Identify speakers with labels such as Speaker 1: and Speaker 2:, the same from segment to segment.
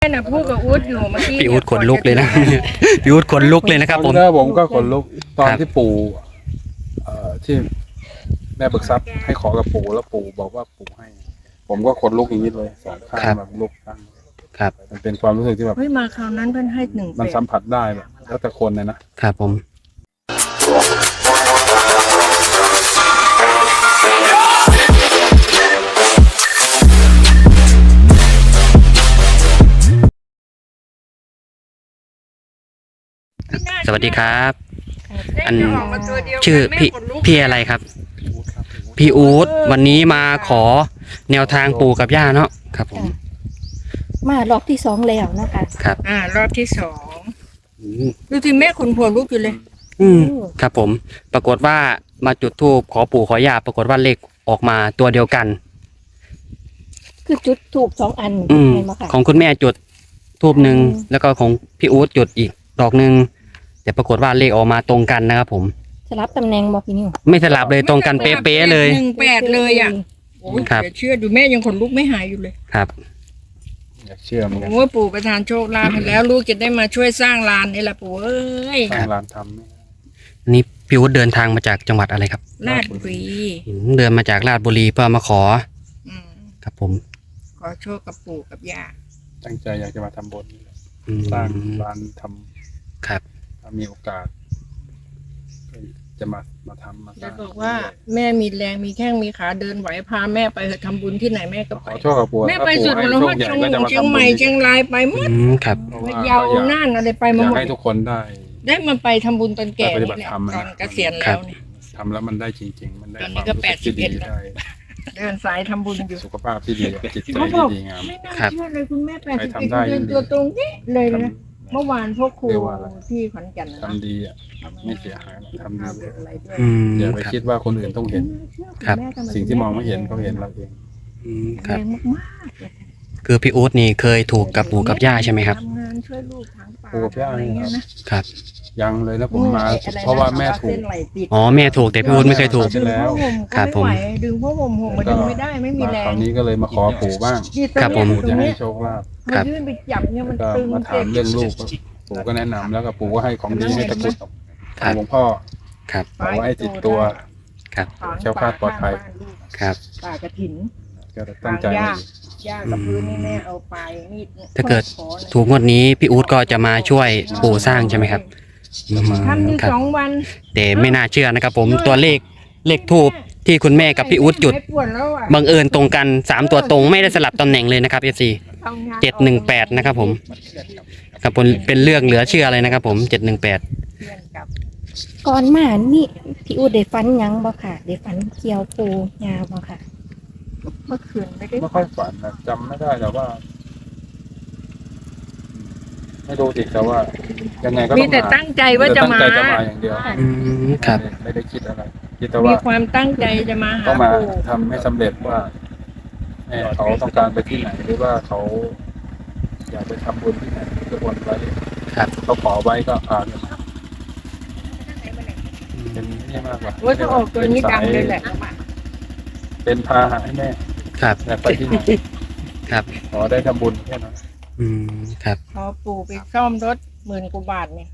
Speaker 1: แม่น่ะพูดกับอู๊ดอยู่เมื่อกี้
Speaker 2: พี่อู๊ดขนลุกเลยนะ พี่อู๊ดขนลุกเลยนะครับผม
Speaker 3: ผมก็ขนลุกตอนที่ปู่ที่แม่เบิกทรัพย์ให้ขอกับปู่แล้วปู่บอกว่าปู่ให้ ผมก็ขนลุกอย่างนี้เลยสองข้างแบบลุกข้าง
Speaker 2: ครับ
Speaker 3: มันเป็นความรู้สึกที่แบบ
Speaker 1: เฮ้ยมาคราวนั้นเพิ่นให้1
Speaker 3: มันสัมผัสได้แบบแล้วแต่คนเลยนะครับ
Speaker 2: ผมสวัสดีครับ อันชื่อพี่อะไรครับ พี่อู๊ดวันนี้มาขอแนวทางปู่กับย่าเนาะครับผม
Speaker 4: มารอบที่สองแล้วนะคะ
Speaker 2: ครับ
Speaker 1: รอบที่2
Speaker 2: อืม
Speaker 1: ดูสิแม่ขุนหัวลุกอยู่เลย
Speaker 2: ครับผมปรากฏว่ามาจุดธูปขอปู่ขอย่าปรากฏว่าเลขออกมาตัวเดียวกัน
Speaker 4: คือจุดถูก2 อัน
Speaker 2: อืม
Speaker 4: เห็นไหมคะ
Speaker 2: ของคุณแม่จุดทูบหนึ่งแล้วก็ของพี่อู๊ดจุดอีกดอกหนึ่งแต่ปรากฏว่าเลขออกมาตรงกันนะครับผม
Speaker 4: สลับตำแหน่งบอกพี่นิว
Speaker 2: ไม่สลับเลยตรงกันเป๊ะๆเลย
Speaker 1: 18เลยอ่ะโอ้ย
Speaker 2: ครับ
Speaker 1: เดี๋ยวเชื่อดูแม่ยังขนลุกไม่หายอยู่เลย
Speaker 2: ครับ
Speaker 3: อยากเชื่อเหมือนกัน
Speaker 1: โอ้ยปู่ประทานโชคลาภให้แล้วลูกจะได้มาช่วยสร้างลานนี่แหละปู่เอ้ย
Speaker 3: สร้างร้านทำเนี่ย
Speaker 2: อันนี้พี่อู๊ดเดินทางมาจากจังหวัดอะไรครับ
Speaker 1: ลาดบุรี
Speaker 2: เดินมาจากราชบุรีเพื่อมาขอ
Speaker 1: อืม
Speaker 2: ครับผม
Speaker 1: ขอโชคกับปู่กับย่า
Speaker 3: ตั้งใจอยากจะมาทำบุญ
Speaker 2: อืม
Speaker 3: สร้างร้านท
Speaker 2: ครับ
Speaker 3: ำถ้ามีโอกาสก็จะมาทำมาส
Speaker 1: แล้
Speaker 3: ร้าว ง
Speaker 1: บอกว่าแม่มีแรงมีแข้งมีขาเดินไหวพาแม่ไปเถอะทำบุญที่ไหนแม่ก็
Speaker 3: ข
Speaker 1: ไป
Speaker 3: อโชคกับปู่
Speaker 1: แม่
Speaker 3: ถ้า
Speaker 1: ไป
Speaker 3: ปู่
Speaker 1: สุด
Speaker 3: ให้
Speaker 1: แล้ว
Speaker 3: โช
Speaker 1: ว่า
Speaker 3: คใหญ่
Speaker 1: เชียง
Speaker 3: ก็จะมา
Speaker 1: เชียง
Speaker 3: ทำ
Speaker 1: ให
Speaker 3: บุ
Speaker 1: ม่
Speaker 3: ญ
Speaker 1: เชียงรายไปหมด
Speaker 2: ครับ
Speaker 3: เพราะว่า
Speaker 1: พะเยาน่านอะไรไปมา
Speaker 3: อยา
Speaker 1: ห
Speaker 3: ก
Speaker 1: มด
Speaker 3: ให้ทุกคนได้
Speaker 1: ได้มาไปทำบุญตอนแก่
Speaker 3: ได้ปฏิบั
Speaker 1: นี่
Speaker 3: ติ
Speaker 1: แหละ
Speaker 3: ธรรม
Speaker 1: ตอน
Speaker 3: นะ
Speaker 1: เกษียณแล้วเนี่ย
Speaker 3: ทำแล้วมันได้จริง ๆ มันได้
Speaker 1: ตอน
Speaker 3: ค
Speaker 1: นี้
Speaker 3: วาม
Speaker 1: ก็
Speaker 3: รู้สึกที่ดี
Speaker 1: 81แล้ว
Speaker 3: ได้
Speaker 1: เดินสายทำบุญอยู่
Speaker 3: สุขภาพที่ดีจิตใจ
Speaker 1: เขาบ
Speaker 3: ที่
Speaker 1: อก
Speaker 3: ดีงาม
Speaker 1: ไม่น่า
Speaker 2: ครับ
Speaker 1: เชื่อเลยคุณแม่
Speaker 3: ใครทำได้
Speaker 1: 81เดินตัวตรงนี้เลยนะ
Speaker 3: ทำ
Speaker 1: เมื่อวานพวกครู
Speaker 3: เรียกว่าอะไร
Speaker 1: ที่ขอนแก่นนะ
Speaker 3: ทำดีอ่ะไม่เสียหายหรอกทำดี
Speaker 1: อะไรด้วย
Speaker 2: อืม
Speaker 3: อย่าไป
Speaker 2: ครับ
Speaker 3: คิดว่าคนอื่นต้องเห็น
Speaker 2: ครับ
Speaker 3: สิ่งที่มองไม่เห็นเขาเห็นเราเอง
Speaker 2: อืมค
Speaker 1: แร
Speaker 2: รับ
Speaker 1: งมากๆเลย
Speaker 2: คือพี่อู๊ดนี่เคยถูกกับปู่กับย่าใช่ไหมครับ
Speaker 1: ทำงานช่วยลูกทางป่า
Speaker 3: ปู่กับย่า
Speaker 1: อะไรเงี้ยนะครับ
Speaker 3: ยังเลยนะผมมาเพราะว่าแม่ถูก
Speaker 2: อ๋อแม่ถูกแต่พี่อู๊ดไม่เคยถูก
Speaker 3: ใช่แล้ว
Speaker 2: ครับผม
Speaker 1: ดึงผ้าห่มห่มมาดึงไม่ได้ไม่มี
Speaker 3: มา
Speaker 1: แร
Speaker 3: คราง วนี้ก็เลยมาขอปู่บ้าง
Speaker 2: ครับผม
Speaker 3: ปู่จะให้โชคลาภ
Speaker 1: มายื่นไปจับเนี่ยมัน
Speaker 3: ก็
Speaker 1: ตึง
Speaker 3: มาถามเรื่องลูกก็ปู่ก็แนะนำแล้วก็ปู่ก็ให้ของดีให้ตะกรุดของหลวงพ่อ
Speaker 2: ครับ
Speaker 3: เอาไว้ให้ติดตัว
Speaker 2: ครับ
Speaker 3: แคล้วคลาดปลอดภัย
Speaker 2: ครับ
Speaker 1: ป่ากระถิน
Speaker 3: ก็ตั้งใจ
Speaker 1: ย่ากับพื้นนี่แม่เอาไปมีดนี่
Speaker 2: ถ้าเกิด
Speaker 1: ขอนะ
Speaker 2: ถูกงวดนี้พี่อู๊ดก็จะมาช่วยปู่สร้างใช่ไหมครับอืม
Speaker 1: ทำอยู่
Speaker 2: ครับ
Speaker 1: 2 วัน
Speaker 2: แต่ไม่น่าเชื่อนะครับผมตัวเลขทูบที่คุณแม่กับพี่อู๊ดจุด
Speaker 1: ไม่ปวดแล้วอะ
Speaker 2: บังเอิญตรงกัน3ตัวตรงไม่ได้สลับตำแหน่งเลยนะครับ FC
Speaker 1: ทำงาน
Speaker 2: 718นะครับผมครับผมเป็นเรื่องเหลือเชื่อเลยนะครับผม718
Speaker 1: เพื่อนกับ
Speaker 4: ก่อนมานี่พี่อูดได้ฝันหยังบ่ค่ะได้ฝันเกี่ยวปูยาบ่ค่ะ
Speaker 1: เมื่อคืนไม่ได้
Speaker 3: ไม่ค่อยฝันนะจำไม่ได้แต่ว่า ไม่รู้สิแต่ว่า ยังไงก็
Speaker 1: มี
Speaker 3: ต้อง
Speaker 1: แต่
Speaker 3: มา
Speaker 1: ตั้งใจว่าจะมา
Speaker 3: ตั้งใจจะมาอย่างเดียว
Speaker 2: อืมครับ
Speaker 3: ไม่ได้คิดอะไรคิดแต่
Speaker 1: มี
Speaker 3: ว่า
Speaker 1: ความตั้งใจจะมาหา
Speaker 3: ต้องมา
Speaker 1: ปู่
Speaker 3: ทำให้สำเร็จว่าแม่เขาต้องการไปที่ไหนหรือว่าเขา อยากไปทำบุญที่ไหนก็บนไว้
Speaker 2: ครับ
Speaker 3: เขาขอไว้ก็พากันมาเป็นนี่มากกว่า
Speaker 1: ว่าถ้าออกตัวนี้ดังเลยแหละ
Speaker 3: เป็นพาหะให้แม่
Speaker 2: ครับ
Speaker 3: อยากไปที่ไหน
Speaker 2: ครับ
Speaker 3: ขอได้ทำบุญแค่นั้น
Speaker 2: อืมครับ
Speaker 1: พอปู่ไปซ่อมรถ10,000 กว่าบาทเนี่ย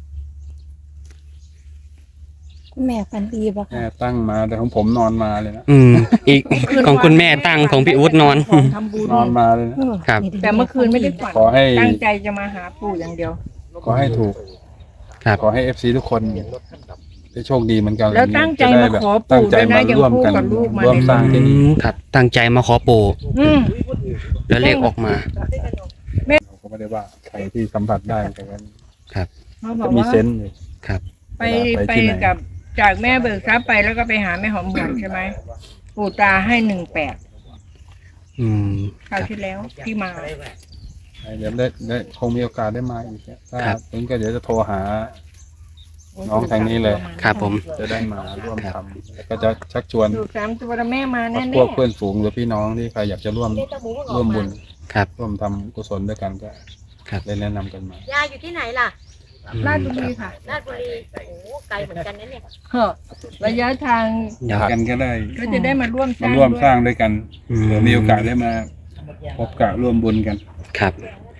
Speaker 4: คุณแม่ฝันดีบ่
Speaker 3: แม่
Speaker 4: ค่ะ
Speaker 3: ตั้งมาแต่ของผมนอนมาเลยนะ
Speaker 2: อืมอีกของคุณแม่ตั้งของพี่อู๊ดนอน
Speaker 1: ของทำบุญ
Speaker 3: นอนมาเลยนะ
Speaker 2: ครับ
Speaker 1: แต่เมื่อคืนไม่ได้ฝัน
Speaker 3: ขอให้
Speaker 1: ตั้งใจจะมาหาปู่อย่างเดียว
Speaker 3: ขอให้ถูก
Speaker 2: ครับ
Speaker 3: ขอให้เอฟซีทุกคนได้โชคดีเหมือนกัน
Speaker 1: แล้วตั้งใจมาขอปู่
Speaker 3: ตั้งใจ
Speaker 1: ด้วยนะ
Speaker 3: มาร่วมกัน
Speaker 1: ยังพูดกับลูกมา
Speaker 3: ร่วมสร้างที่นี่
Speaker 2: ครับตั้งใจมาขอปู่
Speaker 1: อืม
Speaker 2: แล้วเลขออกมา
Speaker 3: เราก็ไม่ได้ว่าใครที่สัมผัสได้แต่ว่า
Speaker 2: ครับ
Speaker 1: เขาบ
Speaker 3: ก็
Speaker 1: อก
Speaker 3: มี
Speaker 1: ว่า
Speaker 3: เซนส์อยู่
Speaker 2: ครับ
Speaker 1: ไป
Speaker 3: ไป
Speaker 1: ไป
Speaker 3: ที่ไหน
Speaker 1: กับจากแม่เบิกทรัพย์ไปแล้วก็ไปหาแม่หอมหวนใช่ไหมปู่ตาให้18
Speaker 2: อืม
Speaker 1: คราวที่แล้วที่มา
Speaker 3: เดี๋ยวได้คงมีโอกาสได้มาอีกเนี่ยถ้า
Speaker 2: ครับ
Speaker 3: ถึงก็เดี๋ยวจะโทรหา น้องทางนี้เลย
Speaker 2: ครับผม
Speaker 3: จะได้มาร่วม
Speaker 2: ครับ
Speaker 3: ทำแล้วก็จะชักชวน
Speaker 1: ถูก3 ตัวแล้วแม่มา
Speaker 3: พ
Speaker 1: แน่
Speaker 3: วกเพื่อนฝูงหรือพี่น้องที่ใครอยากจะร่วมบุญ
Speaker 2: ครับ
Speaker 3: ร่วมทำกุศลด้วยกันก็
Speaker 2: ครับ
Speaker 3: ได้แนะนำกันมา
Speaker 5: ยายอยู่ที่ไหนล่ะ
Speaker 1: ๆราชบุรีค่ะ
Speaker 5: ราชบุรี โอ้โหไกลเหมือนกันนะเนี่ย
Speaker 1: เฮ้อระยะทาง
Speaker 2: เดี๋ยว
Speaker 3: กันก็ได้
Speaker 1: ก็จะได้มาร่วมส
Speaker 3: มา
Speaker 1: ร้าง
Speaker 3: ร่วม
Speaker 1: ด้วย
Speaker 3: สร้างด้วยกัน
Speaker 2: อืม
Speaker 3: เผื่อมีโอกาสได้มาพบกะร่วมบุญกัน
Speaker 2: ครับ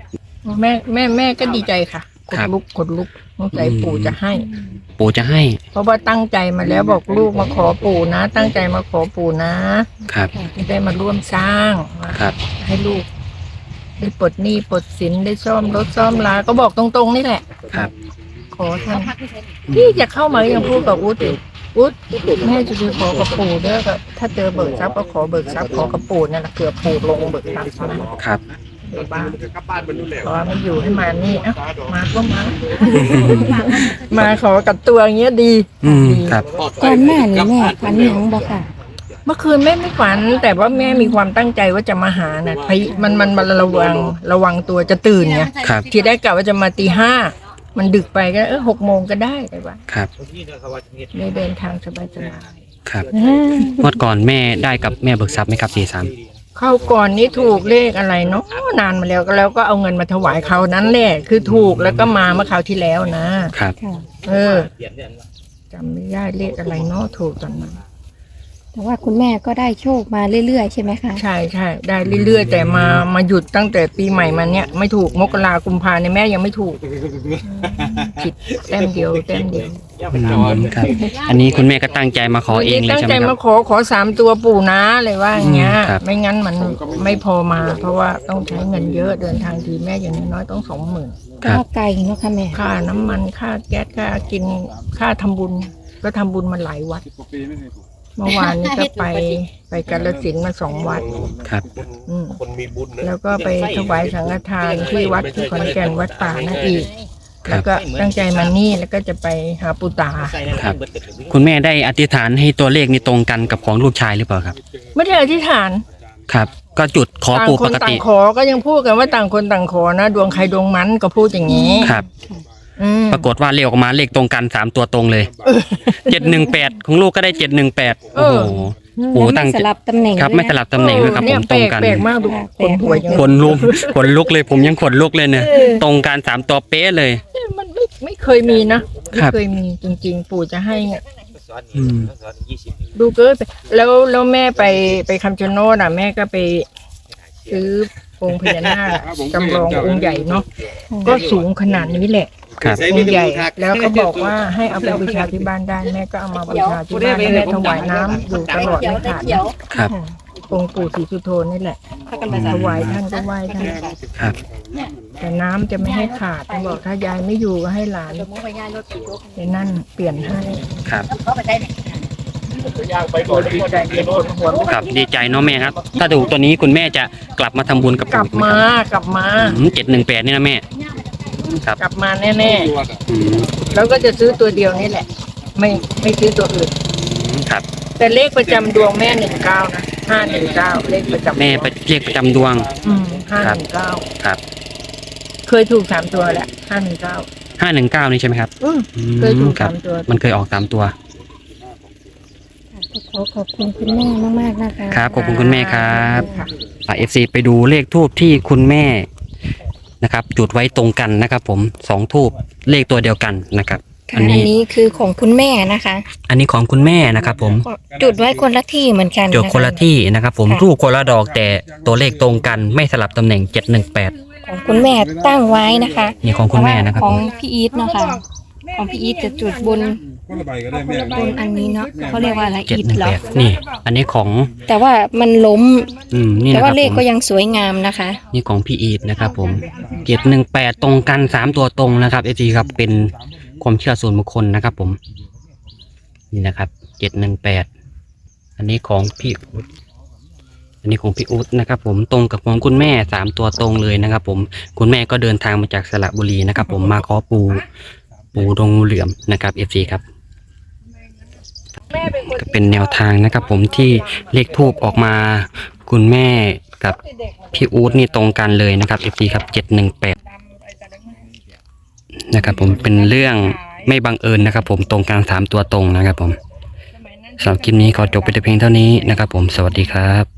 Speaker 1: แม่ก็ดีใจค่ะขนลุกสงสัยปู่จะให้
Speaker 2: ปู่จะให้
Speaker 1: เพราะว่าตั้งใจมาแล้วบอกลูกมาขอปู่นะ ตั้งใจมาขอปู่นะครับ จะได้มาร่วมสร้าง
Speaker 2: ครับ
Speaker 1: ให้ลูก ได้ปลดหนี้ปลดสินได้ซ่อมรถซ่อมลาก็บอกตรงๆนี่แหละ
Speaker 2: ครับ
Speaker 1: ขอท่านที่จะเข้ามายังพูดกับอุ๊ดแม่จะไปขอกับปู่เด้อก็ถ้าเจอเบิกทรัพย์ก็ขอเบิกทรัพย์ขอกับปู่นั่นแหละเกือบปู่ลงเบิกทรัพย์
Speaker 2: ครับ
Speaker 1: เดี๋ยวบ้านขอมาอยู่ให้มานี่เอ้ามาก็มา มาขอกับตัวอย่างเงี้ยดี
Speaker 2: ครับ
Speaker 4: ก่อนหน้านี้แม่ฝันหยังบ่ค่ะ
Speaker 1: เมื่อคืนแม่ไม่ฝัน แต่ว่าแม่มีความตั้งใจว่าจะมาหาน่ะมันระวังตัวจะตื่นไง
Speaker 2: ครับ
Speaker 1: ทีแรกกะว่าจะมาตีห้ามันดึกไปก็6 โมงก็ได้แต่ว่า
Speaker 2: ครับ
Speaker 1: ได้เดินทางสบาย
Speaker 2: ครับงวดก่อนแม่ได้กับแม่เบิกทรัพย์ไหมครับ43
Speaker 1: ๆเข้าก่อนนี้ถูกเลขอะไรเนาะนานมาแล้วก็เอาเงินมาถวายเขานั้นแหละคือถูกแล้วก็มาเมื่อคราวที่แล้วนะครับ
Speaker 4: ค่ะ
Speaker 1: จำไม่ได้เลขอะไรเนาะถูกตอนนั้น
Speaker 4: แต่ว่าคุณแม่ก็ได้โชคมาเรื่อยๆใช่ไหมคะ
Speaker 1: ใช่ได้เรื่อยๆแต่มาหยุดตั้งแต่ปีใหม่มาเนี้ยไม่ถูกมกรากุมภาเนี่ยแม่ยังไม่ถูกผิดแต้มเดียว
Speaker 2: ครับ อันนี้คุณแม่ก็ตั้งใจมาขอเองเลย
Speaker 1: ตั้ง
Speaker 2: ใช่ไห
Speaker 1: ใจ
Speaker 2: มครั
Speaker 1: มา
Speaker 2: บ
Speaker 1: ขอ3 ตัวปู่นะเลยว่าอย่างเงี้ย
Speaker 2: ครับ
Speaker 1: ไม่งั้นมันไม่พอมา เพราะว่าต้องใช้เงินเยอะเดินทางทีแม่อย่างน้อยๆต้อง20,000
Speaker 4: ก็ไกลเนาะค่ะแม่
Speaker 1: ค่าน้ำมันค่าแก๊สค่ากินค่าทำบุญก็ทำบุญมาหลายวัด เมื่อวานนี้ก็ไปกาฬสินธุ์มา2 วัด
Speaker 2: ครับ
Speaker 6: คนมีบุญนะ
Speaker 1: แล้วก็ไปถวายสังฆทานที่วัดที่ขอนแก่นวัดป่านั่นอีก
Speaker 2: ครับ
Speaker 1: แล้วก็ตั้งใจมานี่แล้วก็จะไปหาปู่ตา
Speaker 2: ครับ คุณแม่ได้อธิษฐานให้ตัวเลขนี้ตรงกันกับของลูกชายหรือเปล่าครับ
Speaker 1: ไม่ได้อธิษฐาน
Speaker 2: ครับ ก็จุดขอ
Speaker 1: ต่าง
Speaker 2: ปู่
Speaker 1: ค
Speaker 2: ป
Speaker 1: น
Speaker 2: ก
Speaker 1: ต่า
Speaker 2: ติ
Speaker 1: งขอก็ยังพูดกันว่าต่างคนต่างขอนะดวงใครดวงมันก็พูดอย่างนี้
Speaker 2: ครับ
Speaker 1: อืม
Speaker 2: ปรากฏว่าเลขออกมาเลขตรงกัน3 ตัวตรงเลย718ของลูกก็ได้718โอ้โหปู่
Speaker 4: แล้ว
Speaker 2: ตั้ง
Speaker 4: ไม่สลับตำแหน่ง
Speaker 2: ครับ
Speaker 4: ด้วย
Speaker 2: ไม่สลับตำแหน่งด้วยครับ
Speaker 1: เนี่
Speaker 2: ผ
Speaker 1: ย
Speaker 2: มตรงกัน
Speaker 1: แปลกมากดูคนหัวยัง
Speaker 2: ขนลุกเลยผมยังขนลุกเลยเนี่ยตรงกัน3 ตัวเป๊ะเลย
Speaker 1: มันไม่เคยมีนะไม่เคยมีจริงๆ ปู่จะให้เนี่ย
Speaker 2: อืม
Speaker 1: ดูเกินไปแล้วแม่ไปคำชะโนดอ่ะแม่ก็ไปซื้อองค์พญานาคจำลององค์ใหญ่เนาะก็สูงขนาดนี้แหละ
Speaker 2: ครับ
Speaker 1: องค์ใหญ่แล้วก็บอกว่าให้เอาไปบูชาที่บ้านได้แม่ก็เอามาบูชาที่บ้านแม่ถวายน้ำอยู่ตลอดไม่ขาดนะครับ องค์ปู่ศรีสุโธนี่แหละถวายท่านก็ไหว้ท่าน
Speaker 2: ครับ
Speaker 1: แต่น้ำจะไม่ให้ขาดท่านบอกถ้ายายไม่อยู่ก็ให้หลานไปนั่นเปลี่ยนให้
Speaker 2: ครับ
Speaker 1: ดีใจเป็นคนหัวลุก
Speaker 2: ครับดีใจเนาะแม่ครับ ถ้าถูกตัวนี้คุณแม่จะกลับมาทำบุญกับ
Speaker 1: กลับมากลับมา
Speaker 2: 718นี่นะแม่ ครับ
Speaker 1: กลับมาแน่
Speaker 2: อืม
Speaker 1: ๆแล้วก็จะซื้อตัวเดียวนี่แหละ ไม่ซื้อตัวอื่น
Speaker 2: ครับ
Speaker 1: แต่เลขประจำดวงแม่19นะ519เลขประจำ
Speaker 2: แม่ไปเรียกประจำดวง
Speaker 1: 519
Speaker 2: ครับ
Speaker 1: เคยถูก3 ตัวแหละ519
Speaker 2: 519นี่ใช่ไหมครับ
Speaker 1: เคยถูก
Speaker 2: ครับ
Speaker 1: 3 ตัว
Speaker 2: มันเคยออก3 ตัว
Speaker 4: ขอบคุณคุณแม่มากๆนะคะ
Speaker 2: ครับขอบคุณคุณแม่ครับ
Speaker 1: ค่ะ
Speaker 2: FC ไปดูเลขทูบที่คุณแม่นะครับ จุดไว้ตรงกันนะครับ ผม2 ทูบเลขตัวเดียวกันนะครับ
Speaker 4: ค่ะ
Speaker 2: อัน
Speaker 4: อัน
Speaker 2: นี้
Speaker 4: นี้คือของคุณแม่นะคะ
Speaker 2: อันนี้ของคุณแม่นะครับ ผม
Speaker 4: จุดไว้คนละที่เหมือนกัน
Speaker 2: จุดคนละที่นะครับ ผม
Speaker 4: ค่ะ
Speaker 2: รูปคนละดอกแต่ตัวเลขตรงกันไม่สลับตำแหน่ง718
Speaker 4: ของคุณแม่ตั้งไว้นะคะ
Speaker 2: นี่ของคุณแม่นะครับ
Speaker 4: ของ
Speaker 2: ผม
Speaker 4: พี่อีทเนาะค่ะของพี่อีทจะจุดบนบนอันนี้เนาะเขาเรียกว่าอะไรอีทเหรอ
Speaker 2: 718นี่ อันนี้ของ
Speaker 4: แต่ว่ามันล้ม
Speaker 2: นี่
Speaker 4: แต่
Speaker 2: นะค
Speaker 4: ว่า
Speaker 2: รับ
Speaker 4: เลข
Speaker 2: ผม
Speaker 4: ก็ยังสวยงามนะคะ
Speaker 2: นี่ของพี่อีทนะครับ ผม718ตรงกัน3 ตัวตรงนะครับเอจีครับเป็นความเชื่อส่วนบุคคลนะครับ ผม นี่นะครับ718อันนี้ของพี่อุ๊ดอันนี้ของพี่อุ๊ดนะครับ ผมตรงกับของคุณแม่3 ตัวตรงเลยนะครับ ผมคุณแม่ก็เดินทางมาจากสระบุรีนะครับ ผมมาขอปูดงงูเหลือมนะครับเอซีครับ ก็เป็นแนวทางนะครับ ผมที่เลขทูบออกมาคุณแม่กับพี่อู๊ดนี่ตรงกันเลยนะครับ FC ครับ718นะครับ ผมเป็นเรื่องไม่บังเอิญนะครับ ผมตรงกัน3 ตัวตรงนะครับ ผมสำหรับคลิปนี้ขอจบไปแต่เพียงเท่านี้นะครับ ผมสวัสดีครับ